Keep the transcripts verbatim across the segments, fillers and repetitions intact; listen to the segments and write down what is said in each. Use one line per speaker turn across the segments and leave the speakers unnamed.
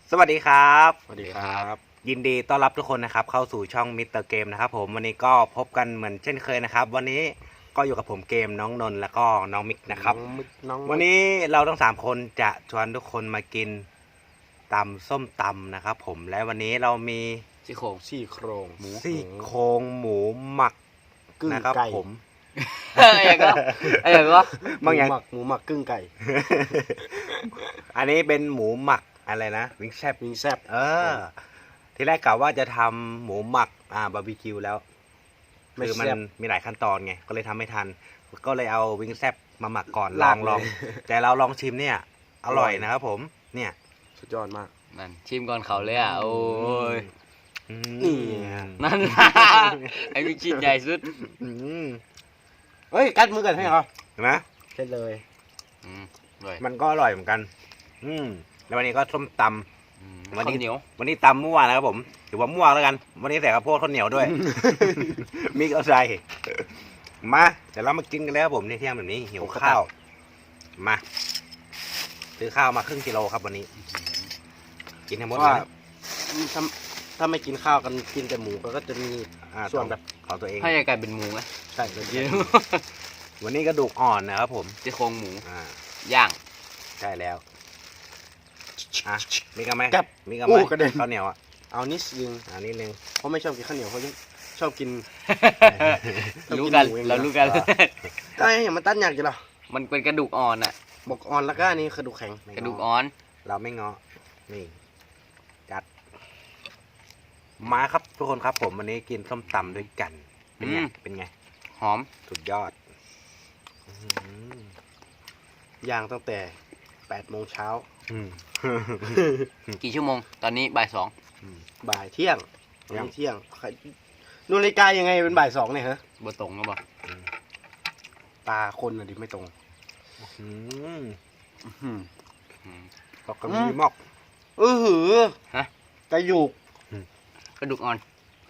สวัสดีครับ
สวัสดีครับ
ยินดีต้อนรับทุกคนนะครับเข้าสู่ช่องมิสเตอร์เกมนะครับผมวันนี้ก็พบกันเหมือนเช่นเคยนะครับวันนี้ก็อยู่กับผมเกมน้องนนท์แล้วก็น้องมิกนะครับวันนี้เราทั้งสามคนจะชวนทุกคนมากินตำส้มตำนะครับผมและวันนี้เรามี
ซี่โครงซี่โครงหมู
ซี่โครงหมูหมัก
กึ่ง
นะครับ
ไก่
ผม
เอ้ยก็เอ้ยก็
หมูหมักหมูหมักกึ่งไก่
อันนี้เป็นหมูหมักอะไรนะวิงแซบ
วิงแซ่บ
เออ ที่แรกกะว่าจะทำหมูหมักอ่าบาร์บีคิวแล้ว
ไม่
คือมัน
แซ่บ
มีหลายขั้นตอนไงก็เลยทำไม่ทัน ก็เลยเอาวิงแซบมาหมักก่อนล
ลา
อก ง
เลย
ลองแต่เราลองชิมเนี่ย อร่อย
อร่อย
นะครับผมเนี่ย
สุดยอดมาก
นั่นชิมก่อนเขาเลยอ่ะโอ้ย
อืม
นี่
นั่น ไอ้มีชิ้นใหญ่สุด
อืม
เฮ้ยกัดมือกันให้เหรอ
เห็นไหม
เช่นเลย
อืมด้วย
มันก็อร่อยเหมือนกัน อืมแล้ววันนี้ก็ส้มตำ
อืม
วันนี้
ข้าวเหนียว
วันนี้ตำมั่วนะครับผมถือว่ามั่วแล้วกัน วันนี้ใส่ข้าวโพดข้าวเหนียวด้วย มิกเอาใส่มาเดี๋ยวเรามากินกันแล้วครับผมในเที่ยงแบบนี้หิวข้าวมาซื้อข้าวมาครึ่งกิโลครับวันนี้ กินให้หมดเล
ว่าย ถ้าถ้าไม่กินข้าวกันกินแต่หมูก็จะมี
อ่า
ส่วนแบบ
ของตัวเอง
ให้กลายเป็นหมูไหม
ใช่เป็น
เยอะ
วันนี้กระดูกอ่อนนะครับผม
ซี่โครงหมู
อ่า
ย่าง
ใช่แล้วอ่ะมีกันไหม
กับ
มีกันไหม
อู้กระเด็น
ข้าวเหนียวอ่ะ
เอานิดนึง
อันนี้นึง
เพราะไม่ชอบกินข้าวเหนียวเขาชอบกิน ชอบ
รู้
กิน
กัน
หมูอย่างเดียว
เรารู้กัน
ได้อย่างมันตั้นอยากจะหรอ
มันเป็นกระดูกอ่อนอ่ะ
บอกอ่อนแล้วก็อันนี้กระดูกแข็ง
ไม่
กระดูก
ง้
อ่อน
เราไม่เงาะนี่จัดมาครับทุกคนครับผมวันนี้กินส้มตำด้วยกันเป็นไงเป็นไง
หอม
สุดยอดอื้อหื
ย่างตั้งแต่แปดโมงเช้า
อ
กี่ชั่วโมง ตอนนี้บ่ายสอง
บ่ายเที่ยง
เที่ยง
เที่ยงใครดูนาฬิกายังไงเป็นบ่ายสองเนี่ยฮะ
บตรงก็บอก
ตาคนน่ะดิไม่ตรง
อืม
อืม
อืม
ก็กระมีมอก
เออหือ
ฮะ
กระยูก
กระดูกอ่อน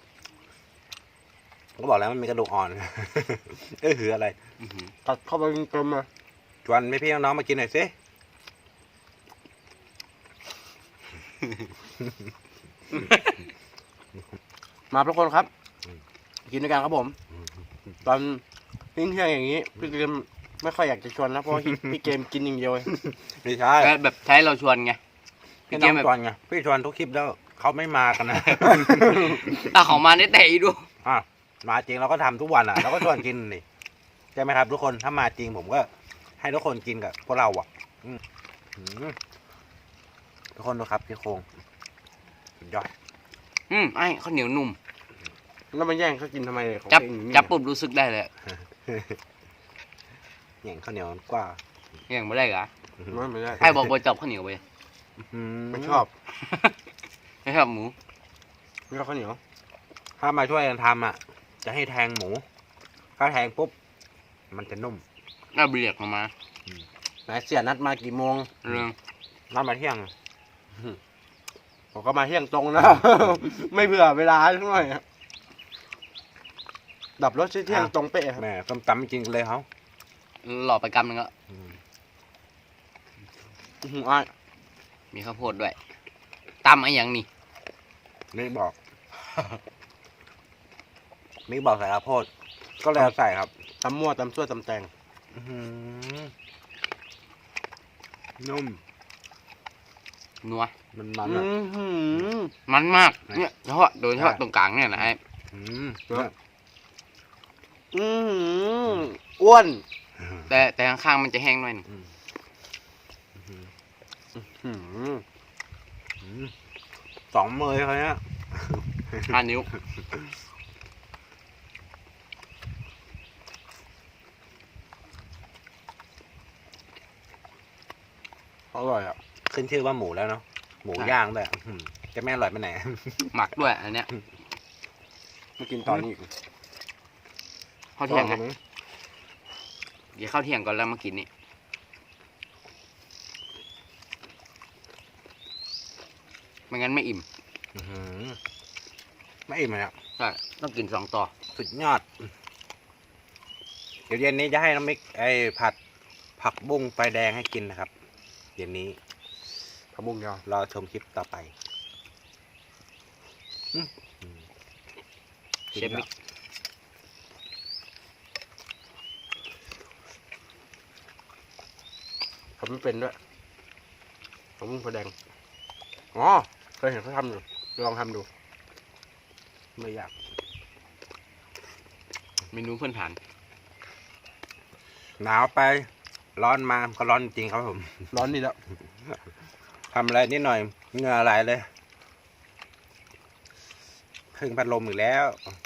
ก็บอกแล้วมันมีกระดูกอ่อน เออหืออะไร
อื้อหือ
ตัดเข้าไปเต็มๆเลย
ชวนไม่พี่น้องๆมากินหน่อยสิ
มาทุกคนครับ กินด้วยกันครับผม ตอนทิ้งเที่ยงอย่างนี้พี่เกมไม่ค่อยอยากจะชวนนะเพราะว่าพี่เกมกินอย่างเดียวเลย
ไม่ใช่
ก็แบบใช้เราชวนไง
พี่
พี่
น้
เก
อ
ม
ง
แบบ
ชวนไงพี่ชวนทุกคลิปแล้วเขาไม่มากันนะ
ตาของมาได้แต่อีดู
อ่ะมาจริงเราก็ทำทุกวันอ่ะเราก็ชวนกินนี่ใช่ไหมครับ ทุกคนถ้ามาจริงผมก็ให้ทุกคนกินกับพวกเราอ่ะอืมอืมทุกคนดูครับพี่โครงสุดยอด
อืมไอ้ข้าวเหนียวนุ่ม
แล้วมันแย่งเขากินทำไมของ
จับ
ตัวเอง
จับปุ๊บรู้สึกได้เลย
อย่างข้าวเหนียวกว่า
ยังไม่ได้เหรอ
ไม่ไม่ได้
ไอ้บอกว่าจับข้าวเหนียวไป
ไม่ชอบ
ไม่ชอบหมู
ไม่ชอบข้าวเหนียว
ถ้ามาช่วยกันทำอ่ะ จะให้แทงหมู ถ้าแทงปุ๊บ มันจะนุ่ม
น่าเบียกออกมา
ไหนเสียนัดมากี่โมง
เรื่อง
นัดมาเที่ยง
ผมก็มาเที่ยงตรงนะ ไม่เผื่อเวลาสักหน่อยอะดับรถเที่ยงตรงเป๊ะครับ
แม่ต้มตำไม่กินกันเลยเขา
หล่อไปกำหนึงก็
อืม
อื้อหืออ้าย
มีข้าวโพดด้วยตำไอ้หยังนี่
มิกบอก มิกบอกใส่ข้าวโพด ก็เลยเอาใส่ครับ
ตำมั่วตำซั่วตำแตง
อื้อหือนุ่ม
นัว
มันมัน
อื้
อ่ะ
อหือ
มันมาก
ไหน
เนี่ยเฉพาะโดยเฉพาะ
ใช่
ตรงกลางเนี่ยนะไอ้
อืม
อื้อหืออ้วน
แต่แต่ข้างๆมันจะแห้งหน่อยหนึ่ง
อืม
อื้อหือ
อืมสองมือเขาเนี้ย
ห้านิ้ว
อร่อยอ่ะ
ขึ้นชื่อว่าหมูแล้วเนาะ หมูย่างด้วยอื้อหือจะไม่อร่อยไปไหน
หมักด้วยอันเนี้ย
มากินตอนนี้อีก
ข้าวเที่ยงไงเดี๋ยวข้าวเที่ยงก่อนแล้วมากินนี่ไม่งั้นไม่อิ่ม
อื้อหือไม่อิ่มเลยอ่ะ
ใช่ต้องกินสองต่อ
สุดยอด เดี๋ยวเย็นนี้จะให้น้องมิกไอ้ผัดผักบุ้งไฟแดงให้กินนะครับ เย็นนี้
ผัผักบุ้งเดียว
รอชมคลิปต่อไปอืมอืม
เชฟมิก
ทำไม่เป็นด้วยผักบุ้งไฟแดงอ๋อเคยเห็นเขาทำอยู่ลองทำดูไม่ยาก
เมนูเพื่อนฐาน
หนาวไปร้อนมาก็ร้อนจริงครับผม
ร้อนดีแล้ว
ทำอะไรนิดหน่อยเหงื่อไหลเลยพึ่งพัดลมอีกแล้ว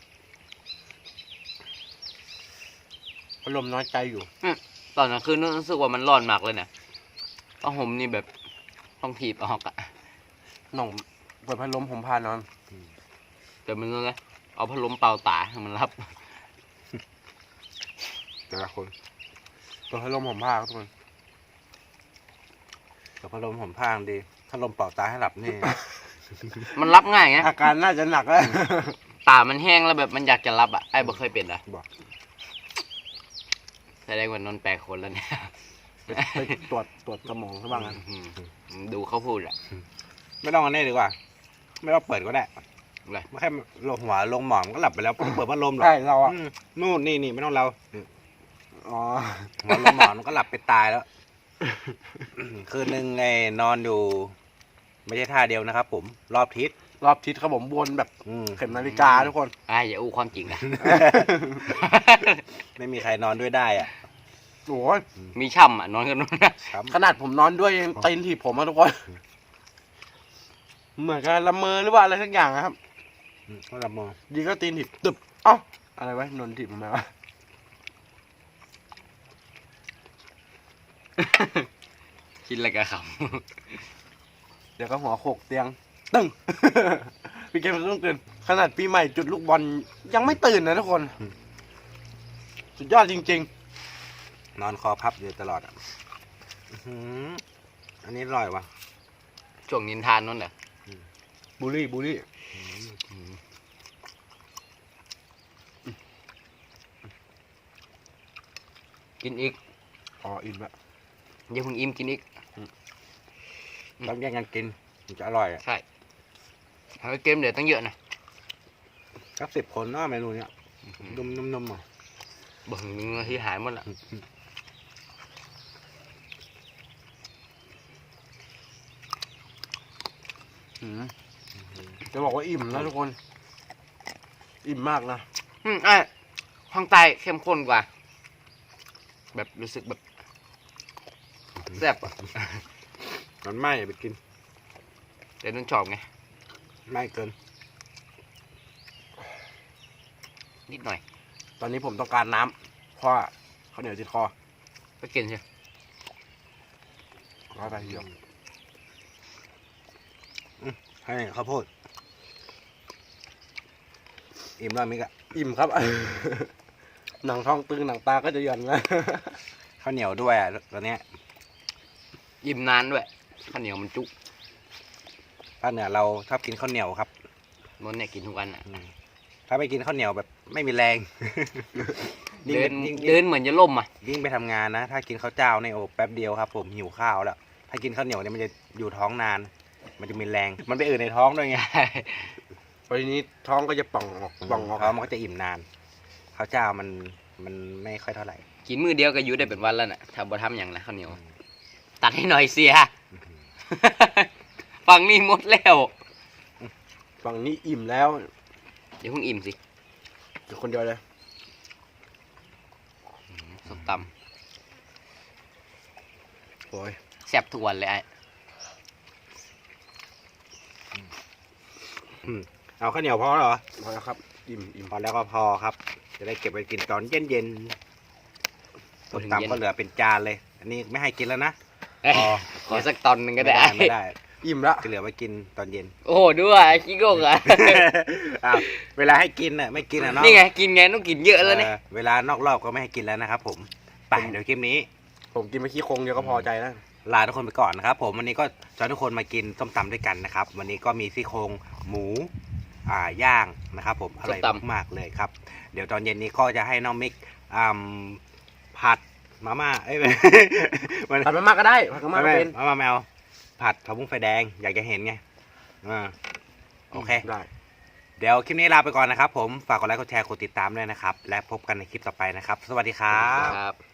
พัดลมน้อยใจอยู่
ตอนนั้นคือรู้สึกว่ามันร้อนมากเลยเนี่ยผ้าห่มนี่แบบต้องถีบออกอะ
น้องเปิดพัดลมผมพานอน
แต่มันนั่นแหละเอาพัดลมเป่าตาให้มันรับ
แต่ละคนเปิดพัดลมผมพาครับทุกคน
แต่พัดลมผมพางดีพัดลมเป่าตาให้หลับนี่
มันรับง่ายไง
อาการน่าจะหนักแล้ว
ตามันแห้งแล้วแบบมันอยากจะรับอ่ะไอ้บ่เคยเป็นอ่ะ
บอก
แสดงว่านนท์แปลกคนแล้วเนี่ย
ไปไปตรวจตรวจสมองซะบ้างนะ
อืมดูเขาพูดอ่ะ
ไม่ต้องอันนี้ดีกว่า ไม่ต้องเปิดก็ได้
เลย
ไม่แค่ลงหัวลงหมอนก็หลับไปแล้วเปิดพัดลมหรอก
ใช่เราอ่ะ
อืมนู่นนี่นี่ไม่ต้องเรา
อ๋อ
หัวลงหมอนมันก็หลับไปตายแล้ว คืนหนึ่งไงนอนอยู่ ไม่ใช่ท่าเดียวนะครับผมรอบทิศ
รอบทิศครับผมวนแบบ
อืม
เข็มนาฬิกาทุกคน
ไอ้อย่าอู้ความจริงนะ
ไม่มีใครนอนด้วยได้อ่ะ
โอ้ย
มีช่ำอ่ะนอนกันนู้นนะครับ
ขนาดผมนอนด้วยยังตีนถีบผมอะทุกคนเหมือนกันละเมอหรือว่าอะไรทั้งอย่างนะครับ
อืมก็หลับมอง
ดีก็ตีนถีบตึบเอ้าอะไรวะนนถีบผมไหมวะ
คิดอะไรกันข
เดี๋ยวก็หัวโขกเตียงตึ้ง พี่เกมต้องตื่นขนาดปีใหม่จุดลูกบอลยังไม่ตื่นนะทุกคน สุดยอดจริง
นอนคอพับอยู่ตลอดอ่ะอื้อหืออันนี้อร่อยว่ะ
ำช่วงนินทานนั่นเหรอ
ๆบูลลี่บูลลี่
กินอีก
อ๋ออิ่มละ
อย่าเพิ่งอิ่มกินอีก
ต้องแย่งกันกินมันจะอร่อยอ่ะ
ใช่เอาเกมเดี๋ยวตั้งเยอะนะ
สักสิบคนเนาะเมนูเนี้ยนุ่มนุ่มนุ่มอ่ะ
บ่งหนึ่งนาทีหายหมดละ
อืมจะบอกว่าอิ่มนะทุกคน อิ่มมากนะ
อืมไอ้ข้างใต้เข้มข้นกว่า แบบรู้สึกแบบแซ่บอ่ะ
มันไหม้อย่าไปกิน
แต่นั่นชอบไง
ไหม้เกิน
นิดหน่อย
ตอนนี้ผมต้องการน้ำเพราะว่าข้าวเหนียวติดคอ
ก็กินใช่
ร้อยไปเดียว
ให้ข้าวโพดอิ่มแล้วมิกอะ
อิ่มครับ หนังท้องตึงหนังตาก็จะหย่อนนะ
ข้าวเหนียวด้วยอ่ะตอนเนี้ย
อิ่มนานด้วยข้าวเหนียวมันจุ
ภาคเหนือเราชอบกินข้าวเหนียวครับ
นนท์เนี่ยกินทุกวันอ่ะ
อืมถ้าไม่กินข้าวเหนียวแบบไม่มีแรง ยิ่ง
เดิ
ไป
น
ยิ่ง
เดินเหมือนจะล่มอ่ะ
ยิ่งไปทำงานนะ ถ้ากินข้าวเจ้าในยโอบแป๊บเดียวครับ ผมหิวข้าวแล้ว ถ้ากินข้าวเหนียวเนี่ยมันจะอยู่ท้องนาน มันจะมีแรง มันไปอื่นในท้องด้วยไง
พอทีนี้ท้องก็จะป่องออกป่องออก
ท้องมันก็จะอิ่มนาน ข้าวเจ้ามันมันไม่ค่อยเท่าไหร่
กินมือเดียวก็อยู่ได้เป็นวันแล้วน่ะถ้าบ่ทำอย่างนะข้าวเหนียว ตัดให้หน่อยเสีย ฝั่งนี้หมดแล้ว
ฝั่งนี้อิ่มแล้ว
เดี๋ยวเพิ่งอิ่มสิ
เดี๋ยวคนเดียวเลย
สมต
โอ้ย
ำแซ่บทุกวันเลยไอ้
เอาข้าวเหนียวพอเหรอ
พอแล้วครับ อิ่มอิ่ม
พอแล้วก็พอครับ จะได้เก็บไปกินตอนเย็นเย็นๆส้มตำก็เหลือเป็นจานเลย อันนี้ไม่ให้กินแล้วนะ
เอ้ย
พอ
ขอสักตอนหนึ่งก็
ไม่
ได้
ได้ไม่ได้
อิ่มละ
จะเหลือไว้กินตอนเย็น
โอ้โหด้วยขี้โกงอ่ะ
อ้าวเวลาให้กินน่ะไม่กินอ่ะเนาะ
นี่ไงกินไงต้องกินเยอะแล้วเนี่ย
เออเวลานอกรอบก็ไม่ให้กินแล้วนะครับผมไปเดี๋ยวคลิปนี้
ผมกินไปขี้โครงเดียวก็พอใจแล้ว
ลาทุกคนไปก่อนนะครับผมวันนี้ก็ชวนทุกคนมากินส้มตำด้วยกันนะครับ วันนี้ก็มีซี่โครงหมูอ่าย่างนะครับผมอร่อยมากๆเลยครับ เดี๋ยวตอนเย็นนี้ก็จะให้น้องมิกอ่าผัดมาม่าเอ้ย มัน
ผัดมาม่าก็ได้ผัดมาม่าก็
ไม่
เป็น
มาม่าแมวผผัดผักบุ้งไฟแดงอยากจะเห็นไงอ่าโอเค
ได้
เดี๋ยวคลิปนี้ลาไปก่อนนะครับผมฝากกดไลค์กดแชร์กดติดตามด้วยนะครับและพบกันในคลิปต่อไปนะครับสวัสดีครับ
ครับ